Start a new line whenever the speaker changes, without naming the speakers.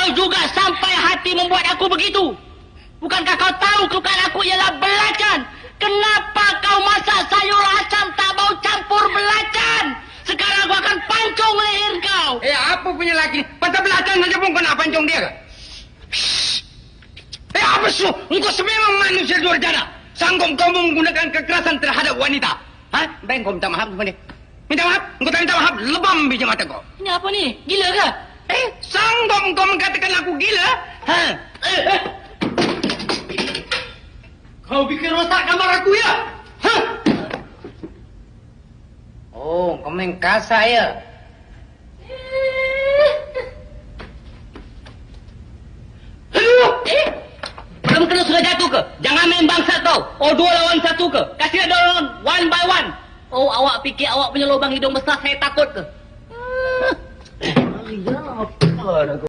kau juga sampai hati membuat aku begitu. Bukankah kau tahu kelukan aku ialah belacan? Kenapa kau masak sayur asam tak mau campur belacan? Sekarang aku akan pancung leher kau.
Apa punya laki? Pasal belacan saja pun kau nak pancung dia ke? Apa su? Engkau sememang manusia durjana. Sanggup kau menggunakan kekerasan terhadap wanita. Baik kau minta maaf kepada dia. Minta maaf? Engkau tak minta maaf, lebam biji mata kau.
Ini apa ni? Gila ke?
Sanggup kau mengatakan aku gila?
Kau bikin rosak kamar aku ya?
Oh, kau main kasar ya?
Belum kena sudah jatuh ke? Jangan main bangsat kau. 2 lawan 1 ke? Kasih ada orang one by one. Oh, awak fikir awak punya lubang hidung besar saya takut ke? Ya, apa dah